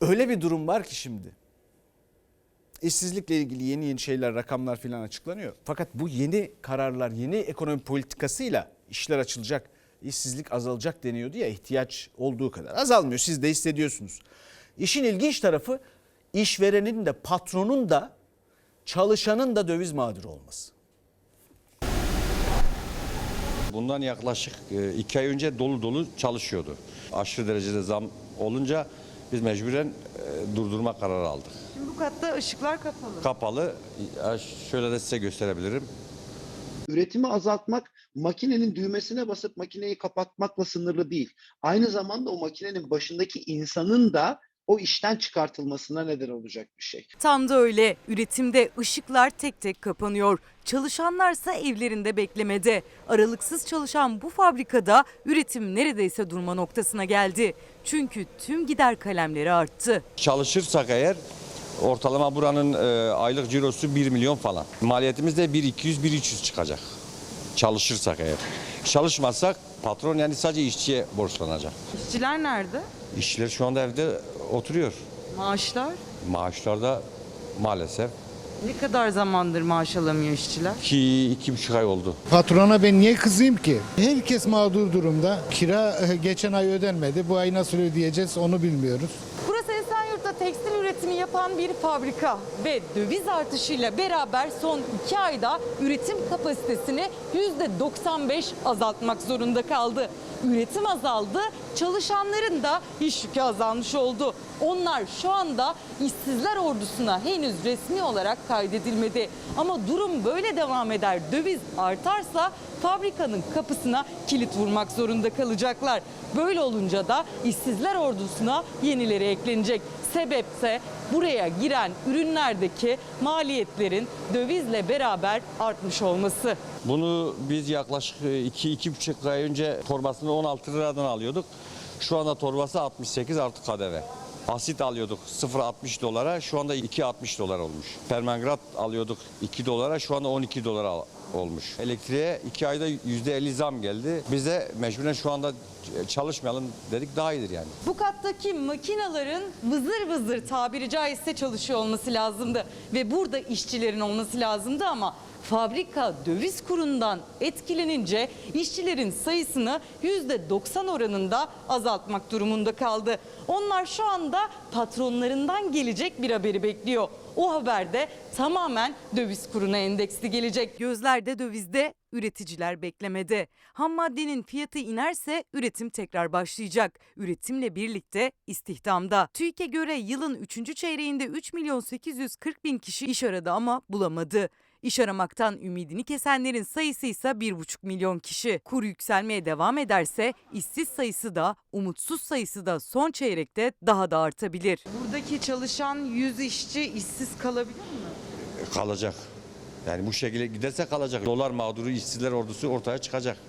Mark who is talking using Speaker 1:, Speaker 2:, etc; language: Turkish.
Speaker 1: Öyle bir durum var ki şimdi. İşsizlikle ilgili yeni şeyler, rakamlar filan açıklanıyor. Fakat bu yeni kararlar, yeni ekonomi politikasıyla işler açılacak, işsizlik azalacak deniyordu ya, ihtiyaç olduğu kadar. Azalmıyor, siz de hissediyorsunuz. İşin ilginç tarafı işverenin de patronun da çalışanın da döviz mağduru olması.
Speaker 2: Bundan yaklaşık 2 ay önce dolu dolu çalışıyordu. Aşırı derecede zam olunca biz mecburen durdurma kararı aldık.
Speaker 3: Şimdi bu katta ışıklar kapalı.
Speaker 2: Kapalı. Şöyle de size gösterebilirim.
Speaker 4: Üretimi azaltmak makinenin düğmesine basıp makineyi kapatmakla sınırlı değil. Aynı zamanda o makinenin başındaki insanın da o işten çıkartılmasına neden olacak bir şey.
Speaker 3: Tam da öyle. Üretimde ışıklar tek tek kapanıyor. Çalışanlarsa evlerinde beklemede. Aralıksız çalışan bu fabrikada üretim neredeyse durma noktasına geldi. Çünkü tüm gider kalemleri arttı.
Speaker 2: Çalışırsak eğer ortalama buranın aylık cirosu 1 milyon falan. Maliyetimiz de 1.200-1.300 çıkacak. Çalışırsak eğer. Çalışmazsak patron yani sadece işçiye borçlanacak.
Speaker 3: İşçiler nerede?
Speaker 2: İşçiler şu anda evde oturuyor.
Speaker 3: Maaşlar?
Speaker 2: Maaşlar da maalesef
Speaker 3: Ne kadar zamandır maaş alamıyor işçiler?
Speaker 2: 2,5 ay oldu.
Speaker 5: Patrona ben niye kızayım ki? Herkes mağdur durumda. Kira geçen ay ödenmedi. Bu ay nasıl ödeyeceğiz onu bilmiyoruz.
Speaker 3: Burası Esenyurt'ta tekstil üretimi yapan bir fabrika ve döviz artışıyla beraber son 2 ayda üretim kapasitesini %95 azaltmak zorunda kaldı. Üretim azaldı, çalışanların da iş yükü azalmış oldu. Onlar şu anda işsizler ordusuna henüz resmi olarak kaydedilmedi. Ama durum böyle devam eder, döviz artarsa fabrikanın kapısına kilit vurmak zorunda kalacaklar. Böyle olunca da işsizler ordusuna yenileri eklenecek. Sebepse buraya giren ürünlerdeki maliyetlerin dövizle beraber artmış olması.
Speaker 2: Bunu biz yaklaşık 2-2,5 ay önce torbasını 16 liradan alıyorduk. Şu anda torbası 68 artı KDV. Asit alıyorduk 0,60 dolara, şu anda 2,60 dolar olmuş. Permangrat alıyorduk 2 dolara, şu anda 12 dolar olmuş. Elektriğe 2 ayda %50 zam geldi. Biz de mecburen şu anda çalışmayalım dedik, daha iyidir yani.
Speaker 3: Bu kattaki makinaların vızır vızır tabiri caizse çalışıyor olması lazımdı. Ve burada işçilerin olması lazımdı ama fabrika döviz kurundan etkilenince işçilerin sayısını %90 oranında azaltmak durumunda kaldı. Onlar şu anda patronlarından gelecek bir haberi bekliyor. O haberde tamamen döviz kuruna endeksli gelecek. Gözler de dövizde, üreticiler beklemede. Ham maddenin fiyatı inerse üretim tekrar başlayacak. Üretimle birlikte istihdamda. TÜİK'e göre yılın 3. çeyreğinde 3.840.000 kişi iş aradı ama bulamadı. İş aramaktan ümidini kesenlerin sayısı ise 1,5 milyon kişi. Kur yükselmeye devam ederse işsiz sayısı da umutsuz sayısı da son çeyrekte daha da artabilir. Buradaki çalışan 100 işçi işsiz kalabilir mi?
Speaker 2: Kalacak. Yani bu şekilde giderse kalacak. Dolar mağduru işsizler ordusu ortaya çıkacak.